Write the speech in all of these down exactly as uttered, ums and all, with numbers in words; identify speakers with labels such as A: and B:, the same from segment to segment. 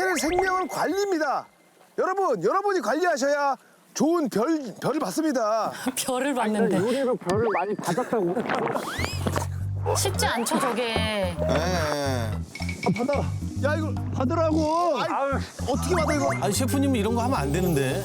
A: 별 생명은 관리입니다. 여러분, 여러분이 관리하셔야 좋은 별, 별을 받습니다.
B: 별을 받는데.
C: 요리로 별을 많이 받았다고.
B: 쉽지 않죠, 저게.
D: 예.
A: 아, 받아. 야, 이거 받으라고. 아이,
C: 아유,
A: 어떻게 받아, 이거?
E: 아니 셰프님 이런 거 하면 안 되는데.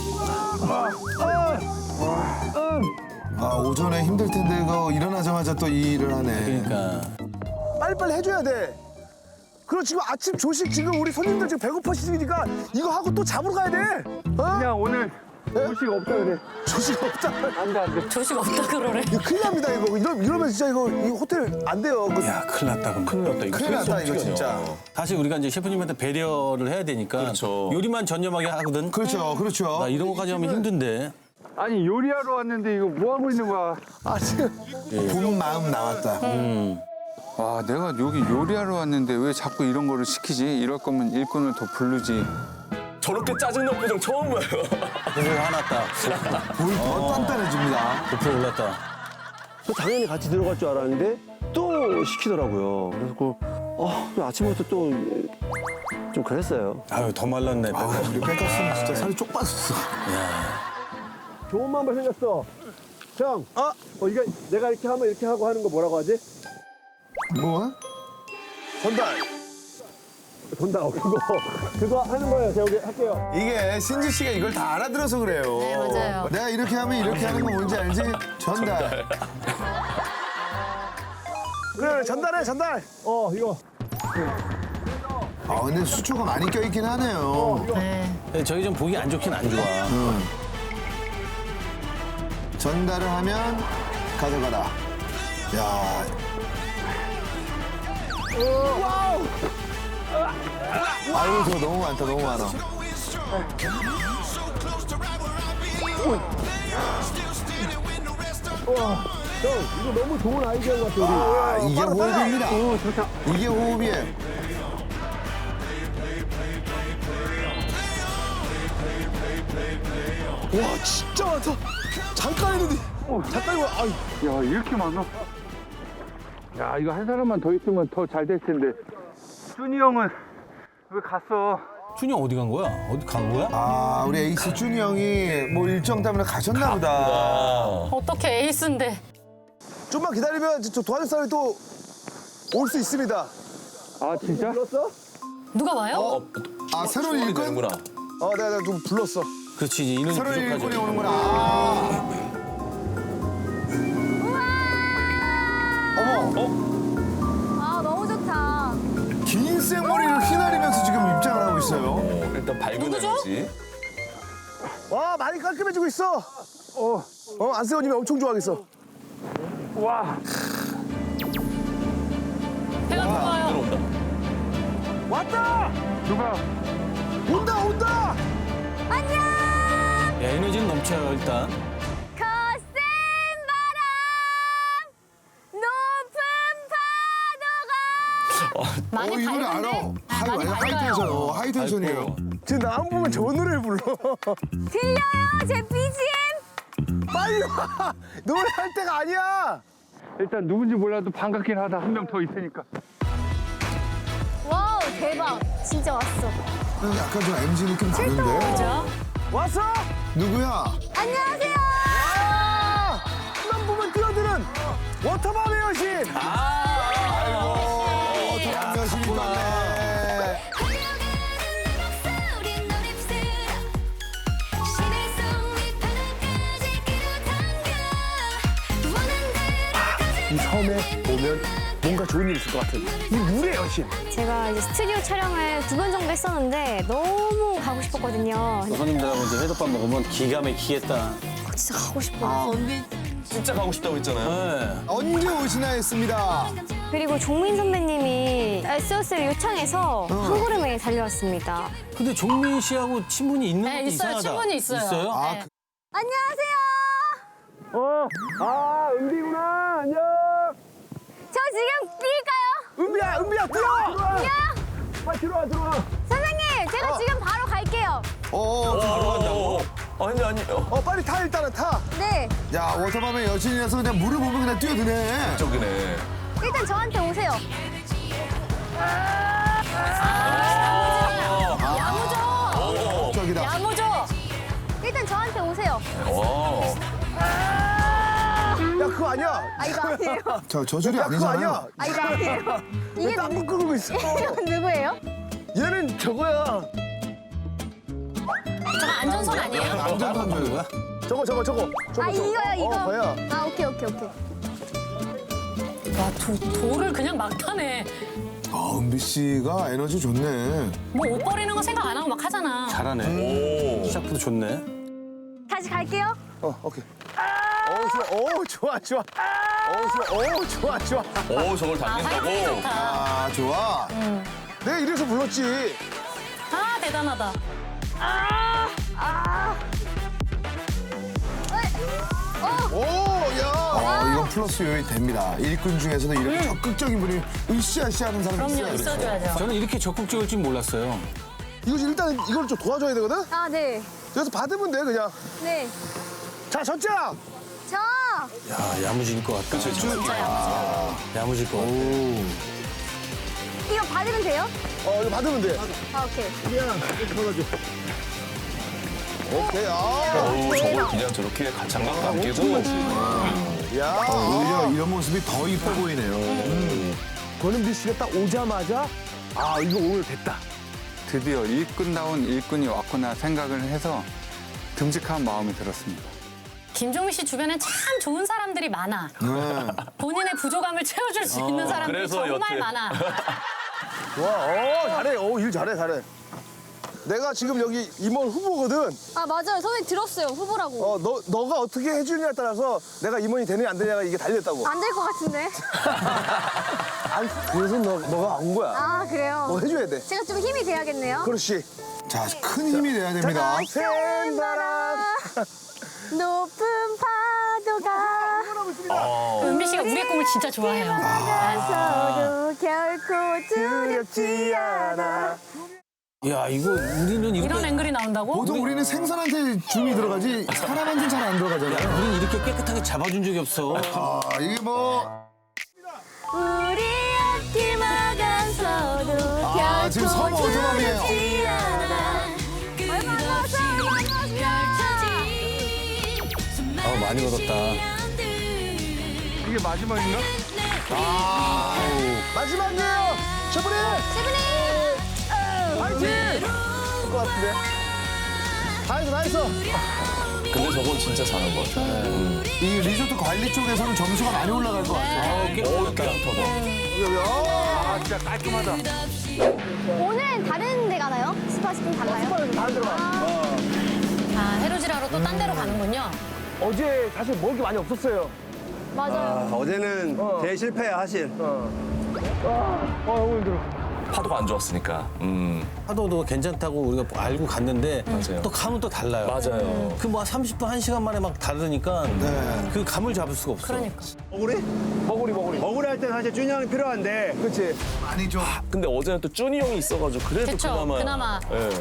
D: 아, 오전에 힘들 텐데 이거 일어나자마자 또 이 일을 하네.
E: 그러니까.
A: 빨리빨리 해줘야 돼. 그리고 지금 아침 조식 지금 우리 손님들 지금 배고파시니까 이거 하고 또 잡으러 가야 돼. 어?
C: 그냥 오늘 조식 없다 그래.
A: 조식 없다.
C: 안 돼, 안 돼.
B: 조식 없다 그러래.
A: 이거 큰일 납니다, 이거. 이러, 이러면 진짜 이거 이 호텔 안 돼요. 그,
E: 야 큰일 났다 그럼. 큰일 났다
D: 큰일 났다, 이거 진짜.
E: 사실 우리가 이제 셰프님한테 배려를 해야 되니까
F: 그렇죠.
E: 요리만 전념하게 하거든.
D: 그렇죠, 그렇죠.
E: 나 이런 거까지 하면 힘든데.
C: 아니 요리하러 왔는데 이거 뭐 하고 있는 거야?
A: 아, 지금.
D: 본 마음 나왔다.
G: 와, 내가 여기 요리하러 왔는데 왜 자꾸 이런 거를 시키지? 이럴 거면 일꾼을 더 부르지.
F: 저렇게 짜증난 표정 처음 봐요.
E: 그래서 화났다.
D: 불 더 단단해집니다.
E: 고프로 올랐다.
H: 당연히 같이 들어갈 줄 알았는데 또 시키더라고요. 그래서 그, 어, 아침부터 또 좀 그랬어요.
E: 아유 더 말랐네.
D: 아, 우리 뺏겼으면 진짜 살이 쪽 빠졌어.
H: 좋은 방법 생겼어. 형,
A: 어?
H: 어, 이거 내가 이렇게 하면 이렇게 하고 하는 거 뭐라고 하지?
D: 뭐?
A: 전달.
H: 돈다, 그거. 그거 하는 거예요. 제가 여기 할게요.
D: 이게 신지 씨가 이걸 다 알아들어서 그래요.
B: 네, 맞아요.
D: 내가 이렇게 하면 이렇게 하는 거 뭔지 알지? 전달.
A: 그래, 전달해, 전달.
H: 어, 이거.
D: 아, 근데 수초가 많이 껴있긴 하네요.
B: 네.
E: 근데 저희 좀 보기 안 좋긴 안 좋아.
D: 전달을 하면 가져가라. 야,
A: 와우.
D: 아유, 저거 너무 많다, 너무 많아.
H: 형, 이거 너무 좋은 아이디어인 것 같아, 우리.
D: 아, 이게
A: 빨라, 빨라.
D: 호흡입니다. 이게 호흡이에요.
A: 와, 진짜 많다. 잠깐 했는데. 잠깐 이거, 아유.
C: 야, 이렇게 많아? 야, 이거 한 사람만 더 있으면 더 잘 될 텐데. 준이 형은 왜 갔어?
E: 준이 어디 간 거야? 어디 간 거야?
D: 아, 우리 에이스 준이 형이 뭐 일정 때문에 가셨나 보다.
B: 어떻게 에이스인데.
A: 좀만 기다리면 저 도와줄 사람이 또 올 수 있습니다.
C: 아, 진짜?
B: 누가 와요?
D: 아, 새로운
F: 수월이
D: 일꾼?
F: 되는구나.
A: 어, 내가, 내가 좀 불렀어.
E: 그렇지 이제 인원이
D: 새로운 일꾼이
E: 부족하지.
D: 오는구나. 아. 어머,
I: 아 너무 좋다.
D: 긴 생머리를 휘날리면서 지금 입장을 하고 있어요.
F: 어, 일단 밝은 에너지.
A: 와, 많이 깔끔해지고 있어.
C: 어,
A: 어, 안세호님이 엄청 좋아하겠어.
C: 와.
B: 배가 고파요.
F: 들어온다.
A: 왔다!
C: 누가?
A: 온다, 온다!
I: 안녕.
E: 야 에너지는 넘쳐요 일단.
I: 거센 바람, 높은 파도가.
B: 많이
D: 어, 이 노래
B: 밝은데?
D: 알아. 하이,
B: 많이
D: 하이
B: 밝아요.
D: 텐션, 어, 하이 텐션이에요.
A: 지금 나안 보면 좋은 노래를 불러.
I: 들려요 제 비지엠.
A: 빨리 와! 노래할 때가 아니야!
C: 일단 누군지 몰라도 반갑긴 하다. 한 명 더 있으니까.
I: 와우 대박. 진짜 왔어.
D: 약간 좀 엠지 느낌 나는데?
B: 그죠?
A: 왔어?
D: 누구야?
I: 안녕하세요.
A: 아! 만 보면 뛰어드는 워터밤의 여신!
D: 아이고, 도란 여신이 떴네.
A: 이 섬에 오면 뭔가 좋은 일이 있을 것 같은 이 물의 여신.
I: 제가 이제 스튜디오 촬영을 두 번 정도 했었는데 너무 가고 싶었거든요.
E: 손님들하고 이제 회덮밥 먹으면 기가 막히겠다.
I: 어, 진짜 가고 싶어요.
F: 진짜 가고 싶다고 했잖아요.
E: 네.
D: 언제 오시나 했습니다.
I: 그리고 종민 선배님이 에스오에스를 요청해서 한 걸음에 달려왔습니다.
E: 근데 종민 씨하고 친분이 있는
B: 네,
E: 것도
B: 있어요.
E: 이상하다.
B: 친분이 있어요.
E: 있어요?
D: 아,
B: 네.
I: 안녕하세요.
H: 어, 아, 은비구나. 안녕.
I: 저 지금 뛸까요?
A: 은비야, 은비야, 뛰어!
I: 안녕.
H: 빨리 들어와, 들어와.
I: 선생님, 제가 지금 바로 갈게요.
D: 어,
F: 바로 간다고? 아니, 아니. 어,
A: 어, 빨리 타, 일단은 타.
I: 네.
D: 야, 워터밤의 여신이라서 그냥 물을 보면 그냥 뛰어드네.
F: 저기네.
I: 일단 저한테 오세요.
A: 아니야.
I: 아, 이거 아니에요.
D: 자, 저줄이
A: 야, 그거
D: 아니잖아요.
A: 아니야.
I: 아, 이거 아니에요. 이게
A: 왜 땀을 끓고 있어?
I: 이건 누구예요?
A: 얘는 저거야.
B: 저거 안전선 아니에요?
D: 안전선물.
A: 저거 저거 저거. 저거
I: 아,
A: 저거.
I: 이거요, 이거.
A: 어, 거야.
I: 아, 오케이, 오케이, 오케이.
B: 와, 도, 돌을 그냥 막 타네.
D: 아, 은비 씨가 에너지 좋네.
B: 뭐 옷 버리는 거 생각 안 하고 막 하잖아.
E: 잘하네. 시작부터 좋네.
I: 다시 갈게요.
A: 어, 오케이. 어, 좋아. 어, 좋아, 좋아. 어, 좋아. 어, 좋아, 좋아.
F: 오, 저걸
B: 아, 화이팅
F: 당긴다고?
B: 좋다.
D: 아, 좋아.
A: 내가 이래서 불렀지.
B: 아, 대단하다.
A: 오, 야.
D: 어, 이건 플러스 요인이 됩니다. 일꾼 중에서도 이렇게 적극적인 분이 으쌰으쌰 하는 사람이
B: 그럼요,
D: 있어요.
B: 있어줘야죠.
E: 저는 이렇게 적극적일 줄 몰랐어요.
A: 이거 일단 이걸 좀 도와줘야 되거든?
I: 아, 네.
A: 그래서 받으면 돼, 그냥.
I: 네.
A: 자, 전장!
I: 저!
E: 야, 야무질 것 같다. 그쵸,
B: 진짜 야무지다.
E: 야무질 것 같다.
I: 이거 받으면 돼요?
A: 어, 이거 받으면 돼.
I: 아, 오케이.
A: 오케이, 아.
F: 어우, 저걸 그냥 저렇게 장갑 감기고.
A: 야.
D: 오히려 이런 모습이 더 이뻐 보이네요.
A: 권은비 씨가 딱 오자마자, 아, 이거 오늘 됐다.
G: 드디어 일꾼다운 일꾼이 왔구나 생각을 해서 듬직한 마음이 들었습니다.
B: 김종민 씨 주변엔 참 좋은 사람들이 많아. 본인의 부족함을 채워줄 수 있는 사람들이
F: 그래서
B: 정말
F: 여태.
B: 많아.
A: 와, 어, 잘해. 어, 일 잘해, 잘해. 내가 지금 여기 임원 후보거든.
I: 아, 맞아요. 선생님 들었어요. 후보라고.
A: 어, 너, 너가 어떻게 해주느냐에 따라서 내가 임원이 되느냐 안 되느냐가 이게 달렸다고.
I: 안 될 것 같은데.
A: 아니, 그래서 너, 너가 온 거야.
I: 아, 그래요?
A: 너 해줘야 돼.
I: 제가 좀 힘이 돼야겠네요.
A: 그렇지.
D: 자, 큰 힘이 돼야 됩니다.
A: 센 바람.
I: 높은 파도가
B: 은비 씨가 우리의 꿈을 진짜 좋아해요.
I: 나서도 결코 두렵지 않아.
E: 야, 이거 우리는 이렇게
B: 이런 앵글이 나온다고?
D: 보통 우리는 생선한테 줌이 들어가지 사람한테는 잘 안 들어가잖아요.
E: 우리는 이렇게 깨끗하게 잡아준 적이 없어.
D: 아, 이게 뭐.
I: 우리 앞길 막아서도
D: 아, 지금
I: 결코
D: 서머 오토밤이에요.
I: 두렵지 않아. 얼마 안 남았어요. 얼마 안 남았어요.
E: 아, 많이 얻었다.
G: 이게 마지막인가?
A: 마지막이에요. 셔브리
I: 세븐이.
A: 파이팅! 할 것 같은데. 다 했어, 다 했어.
F: 근데 저건 진짜 잘한 것 같아.
D: 이 리조트 관리 쪽에서는 점수가 많이 올라갈 것 같아요.
E: 어, 깨끗하다.
G: 아, 진짜 깔끔하다.
I: 오늘 다른 데 가나요? 스팟이 좀 달라요?
A: 다 들어가.
B: 아, 해루질하러 또 딴 데로 가는군요.
A: 어제 사실 먹을 게 많이 없었어요.
I: 맞아요.
H: 어제는
A: 어.
H: 대실패야, 사실.
A: 아, 너무 힘들어.
F: 파도가 안 좋았으니까. 음,
E: 파도도 괜찮다고 우리가 알고 갔는데
F: 맞아요.
E: 또 감은 또 달라요.
F: 맞아요.
E: 그 뭐 삼십 분, 한 시간 만에 막 다르니까 그 감을 잡을 수가 없어.
B: 그러니까.
H: 버구리?
A: 버구리, 버구리.
H: 버구리 할 때는 사실 준이 형이 필요한데.
A: 그렇지.
D: 많이 좀.
F: 근데 어제는 또 쭈니 형이 있어가지고 그래도
B: 그쵸,
F: 그나마.
B: 그나마.
F: 예.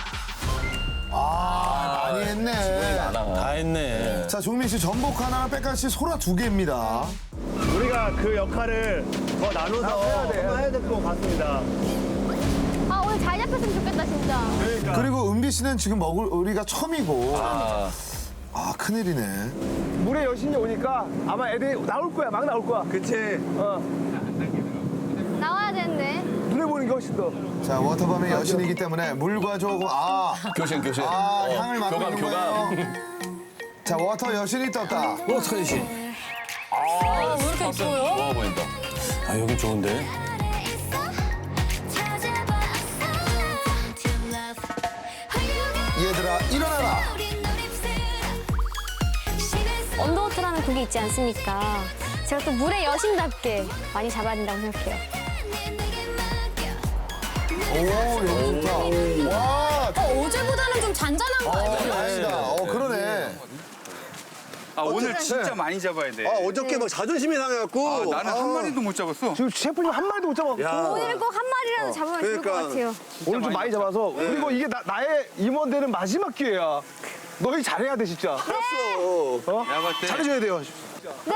D: 아, 많이 했네.
F: 많아.
E: 다 했네.
D: 자, 종민 씨 전복 하나, 백가 씨 소라 두 개입니다.
H: 우리가 그 역할을 더 나눠서
A: 해야 돼.
H: 한번 해야 될 것 같습니다.
I: 아, 오늘 잘 잡혔으면 좋겠다, 진짜.
H: 그러니까.
D: 그리고 은비 씨는 지금 먹을 우리가 처음이고.
F: 아,
D: 아, 큰일이네.
A: 물의 여신이 오니까 아마 애들이 나올 거야, 막 나올 거야.
H: 그치.
A: 어,
I: 나와야 되는데.
A: 눈에 보이는 게 훨씬 더.
D: 자, 워터밤의 여신이기 때문에 물과 조금, 아.
F: 교신, 교신.
D: 아,
F: 어,
D: 향을 맡고
F: 교감,
D: 있는
F: 교감.
D: 거예요. 자, 워터 여신이 떴다.
E: 어떡하지? 씨?
B: 아, 왜 이렇게 이뻐요?
F: 좋아 보인다.
E: 아, 여긴 좋은데.
D: 얘들아, 일어나라.
I: 언더워터라는 곡이 있지 않습니까? 제가 또 물의 여신답게 많이 잡아야 된다고 생각해요.
D: 오, 여기 좋다. 와,
B: 어, 어제보다는 좀 잔잔한 거 아니에요?
D: 다행이다. 어, 그러네.
G: 아, 오늘 진짜 많이 잡아야 돼.
H: 아, 어저께 막 자존심이 상해갖고.
G: 아, 나는 한 마리도 못 잡았어.
A: 지금 셰프님 한 마리도 못 잡았고.
H: 야.
I: 오늘 꼭 한 마리라도 잡으면 좋을 것
H: 그러니까.
I: 같아요.
A: 오늘 좀 많이 잡아서. 그리고 이게 나, 나의 임원되는 마지막 기회야. 너희 잘해야 돼, 진짜.
H: 알았어.
A: 어?
G: 내가 봤을 때
A: 잘해줘야 돼요.
I: 네!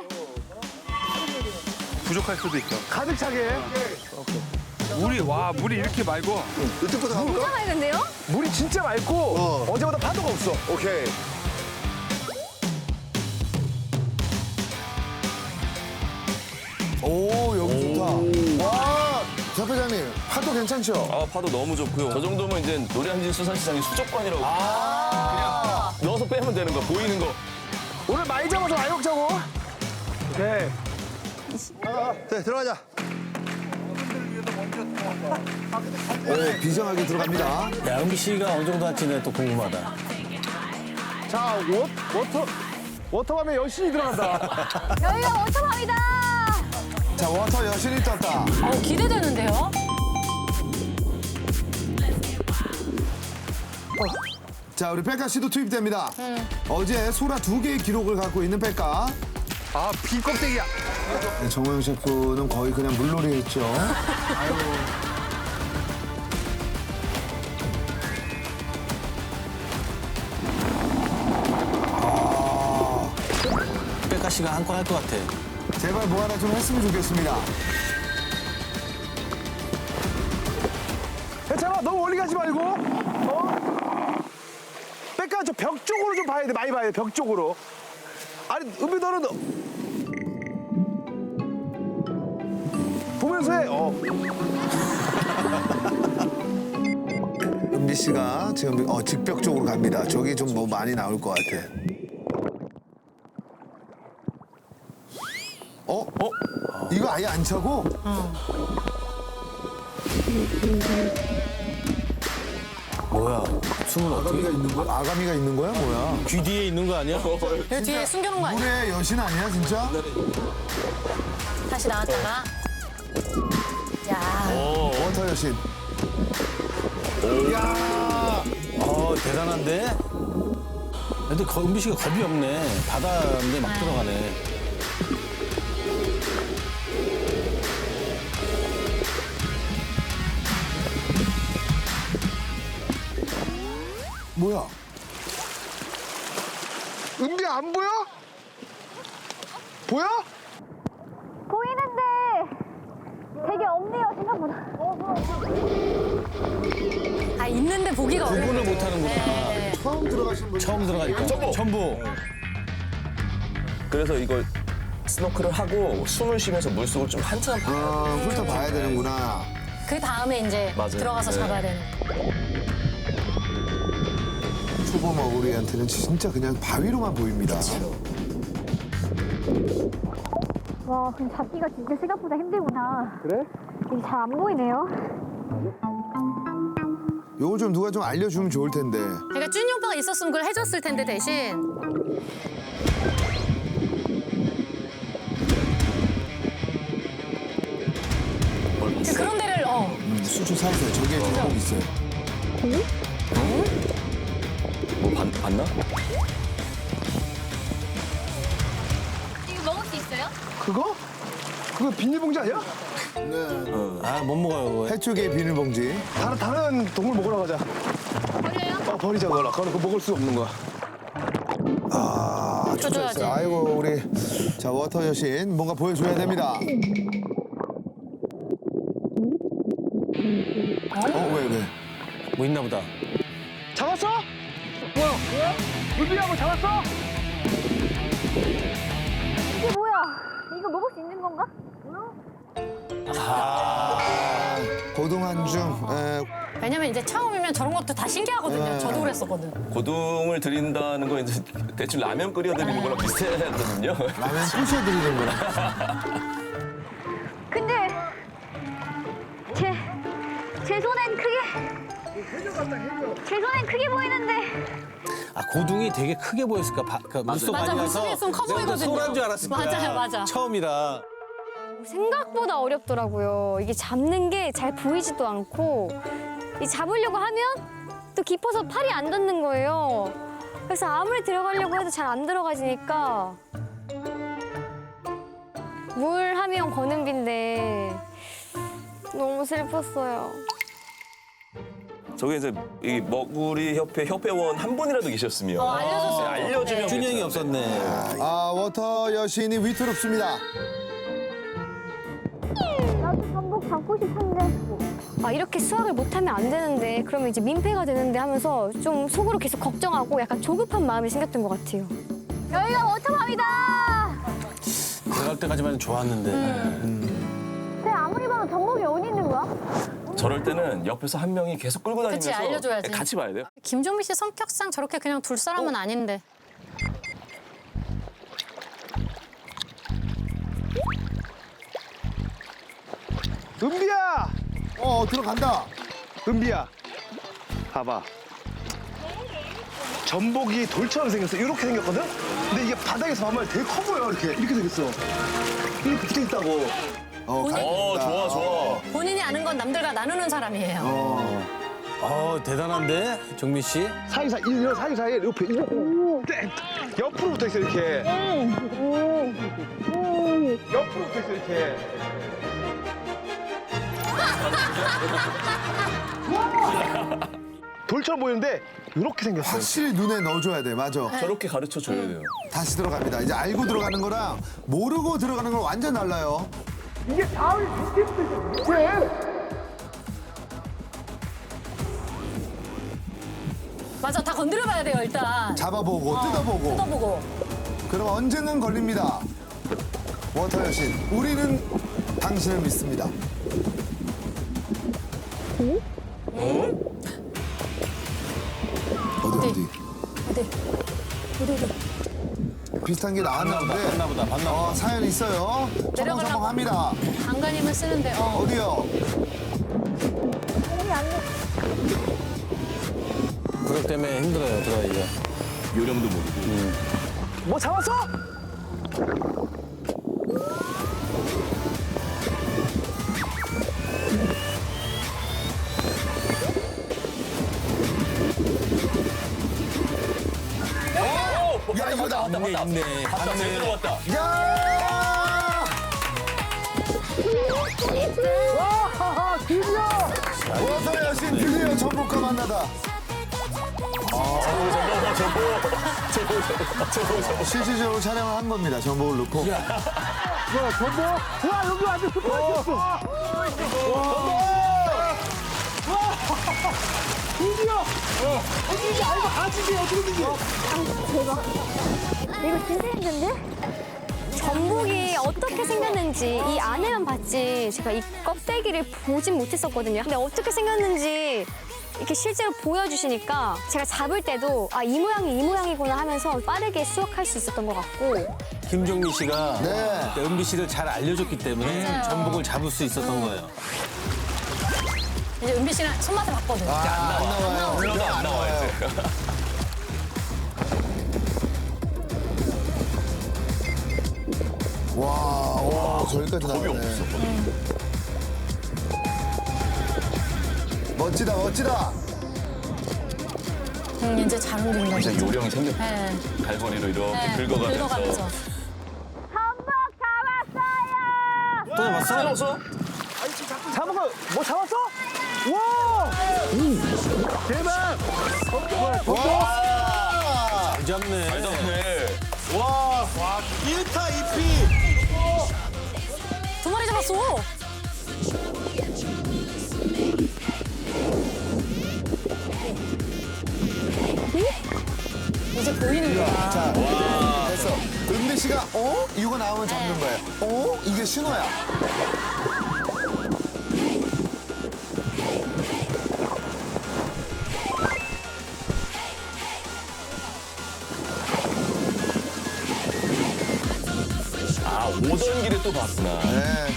G: 부족할 수도 있어.
A: 가득 차게.
G: 물이, 와, 물이 이렇게 맑어.
H: 이쪽부터 가볼까?
I: 진짜 맑은데요?
A: 물이 진짜 맑고
H: 어.
A: 어제보다 파도가 없어.
H: 오케이.
D: 오, 여기 좋다. 와, 대표장님, 파도 괜찮죠?
F: 아, 파도 너무 좋고요. 저 정도면 이제 노량진 수산시장의 수족관이라고. 그냥 넣어서 빼면 되는 거, 보이는 거.
A: 오늘 많이 잡아서 많이 먹자고. 오케이.
H: 네, 들어가자.
D: 오, 비장하게 들어갑니다.
E: 야, 은비 씨가 어느 정도 할지는 또 궁금하다.
A: 자, 워, 워터, 워터밤에 여신이 들어간다.
I: 여기가 워터밤이다.
D: 자, 워터 여신이 떴다.
B: 어, 기대되는데요?
D: 자, 우리 백가 씨도 투입됩니다. 어제 소라 두 개의 기록을 갖고 있는 백가.
A: 아, 비 껍데기야.
D: 네, 정호영 셰프는 거의 그냥 물놀이 했죠.
E: 백가 씨가 한 건 할 것 같아.
D: 제발 뭐 하나 좀 했으면 좋겠습니다.
A: 괜찮아, 너무 멀리 가지 말고. 어? 백가 저 벽 쪽으로 좀 봐야 돼, 많이 봐야 돼, 벽 쪽으로. 아니, 은비 너는 너- 보면서 해. 어.
D: 은비 씨가 지금 어, 직벽 쪽으로 갑니다. 저기 좀 뭐 많이 나올 것 같아. 어? 어? 이거 아예 안 차고?
E: 뭐야? 숨은 어떻게?
D: 아가미가 있는 거야? 아가미가 있는 거야? 뭐야?
E: 귀 뒤에 있는 거 아니야?
B: 여기 뒤에 숨겨놓은 거 아니야?
D: 물의 여신 아니야, 진짜?
B: 다시 나왔다가. 야,
D: 워터 여신.
E: 어, 대단한데? 근데 거, 은비 씨가 겁이 없네. 바다인데 막 들어가네.
D: 뭐야?
A: 은비 안 보여? 보여?
I: 보이는데 되게 없네요, 생각보다.
B: 아, 있는데 보기가 어려워.
E: 구분을 못 하는구나.
B: 네.
D: 처음 들어가신 분.
E: 처음 들어가니까. 첨보. 첨보.
F: 그래서 이걸 스노클을 하고 숨을 쉬면서 물속을 좀 한참 봐.
D: 아, 훑어봐야 되는구나.
B: 그 다음에 이제
F: 맞아요.
B: 들어가서
F: 네.
B: 잡아야 되는.
D: 초보 머구리한테는 진짜 그냥 바위로만 보입니다.
I: 와, 근데 잡기가 진짜 생각보다 힘들구나. 그래? 이게 잘 안 보이네요.
D: 요거 좀 누가 좀 알려주면 좋을 텐데.
B: 그러니까 쭈니 오빠가 있었으면 그걸 해줬을 텐데 대신. 그런 데를 어.
D: 수주 살살 저기에 좀 있어요.
F: 뭐 봤, 봤나?
I: 이거 먹을 수 있어요?
A: 그거? 그거 비닐봉지 아니야?
E: 아, 못 먹어요, 그거.
D: 해쪽에 비닐봉지.
A: 다른, 다른 동물 먹으러 가자.
I: 버려요?
A: 어, 버리자, 그거라. 그거 그거 먹을 수 없는 거야.
D: 아,
B: 줘줘야지.
D: 초조했어요. 아이고, 우리. 자, 워터 여신 뭔가 보여줘야 됩니다. 어, 왜, 왜?
E: 뭐 있나 보다.
A: 잡았어? 뭐야? 뭐야? 은비하고 잡았어?
I: 이게 뭐야? 이거 먹을 수 있는 건가?
D: 고동 한중. 에,
B: 왜냐면 이제 처음이면 저런 것도 다 신기하거든요.
D: 네.
B: 저도 그랬었거든.
F: 고등을 드린다는 거 이제 대충 라면 끓여드리는 거랑 비슷하거든요.
D: 라면 부셔드리는 거라.
I: 근데 제, 제 손엔 크게 제 손엔 크게 보이는데
E: 아, 고둥이 되게 크게 보였을까? 바, 그 물속
B: 맞아,
E: 많이
B: 물속에
E: 가서
B: 있으면 커
E: 내가
B: 보이거든요.
E: 소란 줄 알았을 거야.
B: 맞아요, 맞아.
E: 처음이라.
I: 생각보다 어렵더라고요. 이게 잡는 게 잘 보이지도 않고 이 잡으려고 하면 또 깊어서 팔이 안 닿는 거예요. 그래서 아무리 들어가려고 해도 잘 안 들어가지니까 물 하면 권은비인데 너무 슬펐어요.
F: 저게 이제 이 머구리 협회 협회원 한 분이라도 계셨으면
B: 어, 알려줬어요.
F: 네, 알려주면
E: 준이 형이
F: 괜찮은데.
E: 없었네.
D: 아, 워터 여신이 위태롭습니다.
I: 나도 전복 잡고 싶은데. 아, 이렇게 수학을 못하면 안 되는데 그러면 이제 민폐가 되는데 하면서 좀 속으로 계속 걱정하고 약간 조급한 마음이 생겼던 것 같아요. 여기가 워터밤이다.
E: 들어갈 때까지만 좋았는데.
I: 근데 아무리 봐도 정복이 어디 있는 거야?
F: 저럴 때는 옆에서 한 명이 계속 끌고 다니면서
B: 그치, 알려줘야지.
F: 같이 봐야 돼요.
B: 김종민 씨 성격상 저렇게 그냥 둘 사람은 아닌데.
A: 은비야!
D: 어, 들어간다.
A: 은비야. 봐봐. 전복이 돌처럼 생겼어. 이렇게 생겼거든? 근데 이게 바닥에서 보면 되게 커 보여, 이렇게. 이렇게 생겼어. 이렇게 붙어 있다고.
D: 어,
B: 본인-
F: 어, 좋아, 좋아.
B: 본인이 아는 건 남들과 나누는 사람이에요.
E: 어, 대단한데? 정민 씨?
A: 사이사이, 이런 사이사이에 옆에, 이렇게. 옆으로 붙어 있어, 이렇게. 옆으로 붙어 있어, 이렇게. 돌처럼 보이는데, 이렇게 생겼어.
D: 확실히 눈에 넣어줘야 돼. 맞아.
F: 저렇게 가르쳐 줘야 돼요.
D: 다시 들어갑니다. 이제 알고 들어가는 거랑 모르고 들어가는 건 완전 달라요.
B: 맞아, 다 건드려봐야 돼요, 일단.
D: 잡아보고 뜯어보고.
B: 뜯어보고.
D: 그럼 언젠간 걸립니다. 워터 여신, 우리는 당신을 믿습니다. 어디 어디?
B: 어디? 어디, 어디?
D: 비슷한 게 나왔나 본데.
E: 봤나 보다, 봤나 보다.
D: 어, 사연 있어요.
B: 내려가려고.
D: 첨벙첨벙합니다.
B: 안간힘을 쓰는데, 어.
D: 어디요?
E: 그것 때문에 힘들어요, 들어가기가.
F: 요령도 모르고.
A: 뭐 잡았어?
D: 야, 이거 나.
E: 있네, 있네.
F: 봤다, 제대로 봤다.
D: 야!
A: 와, 드디어!
D: 워터 여신 드디어 전복과 만나다. 실질적으로 촬영을 한 겁니다. 전복을 넣고.
A: 와, 전복! 와, 여기 완전 스포츠였어! 와! 드디어! 어떻게 알고 아직이 어떻게 되지?
I: 이거 진짜 힘든데? 전복이 어떻게 생겼는지 이 안에만 봤지 제가 이 껍데기를 보진 못했었거든요. 근데 어떻게 생겼는지 이렇게 실제로 보여주시니까 제가 잡을 때도 아, 이 모양이 이 모양이구나 하면서 빠르게 수확할 수 있었던 것 같고.
E: 김종민 씨가
D: 네.
E: 은비 씨를 잘 알려줬기 때문에 전복을 잡을 수 있었던 거예요.
B: 이제 은비 씨는 손맛을 봤거든요.
D: 아, 안 나와요.
F: 올라가 안 나와, 이제.
D: 와, 와, 저기까지 나오네. 멋지다, 멋지다.
B: 음, 이제 잘 움직인다.
F: 이제 요령이 생겼다.
B: 네.
F: 갈고리로 이렇게
B: 네.
F: 긁어가면서.
B: 긁어가면서.
E: 또 잡았어?
F: 잡았어?
A: 잡은 거, 뭐 잡았어? 와! 대박!
D: 와!
E: 잘 잡네.
F: 잘 잡네.
A: 와! 와, 일 타 이 피!
B: 두 마리 잡았어. 이제 보이는 거야.
D: 자, 됐어. 은비 씨가, 어? 이거 나오면 잡는 거예요. 어? 이게 신호야.
F: 아, 오던 길에 또 봤구나.
D: 네.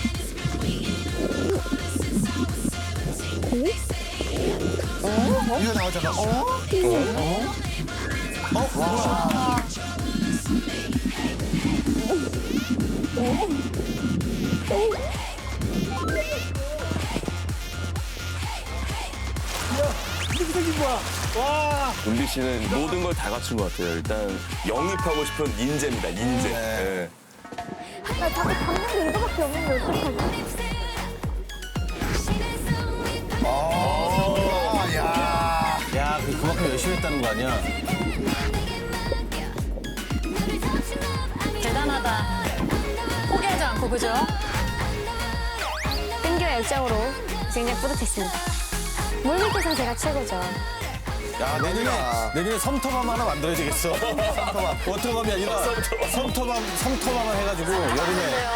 D: 어? 이거 나오잖아. 어? 어? 어? 와.
A: 이렇게 생긴 거야. 와!
F: 은비 씨는 모든 걸 다 갖춘 것 같아요. 일단 영입하고 싶은 인재입니다, 인재.
D: 네.
F: 네.
I: 나 자꾸 잡는 게 이거밖에 없는데 어떡하지?
D: 어, 야.
E: 야, 그- 그만큼 열심히 했다는 거 아니야?
B: 대단하다. 포기하지 않고, 그죠?
I: 끈기와 열정으로 굉장히 뿌듯했습니다. 물 밑에서 제가 최고죠.
E: 야, 내년에, 내년에 섬터밤 하나 만들어야 되겠어. 섬터밤. 워터밤이 아니라 섬터밤, 섬터밤을 해가지고 여름에.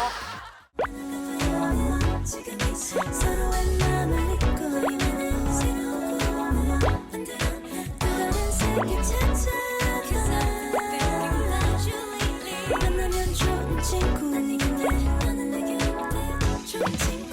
J: 서로의 마음을 믿고 이만한 새로운 꿈을 만드는 또 다른 세계 찾아가 만나면 좋은 친구 나는 내게 어때 좋은 친구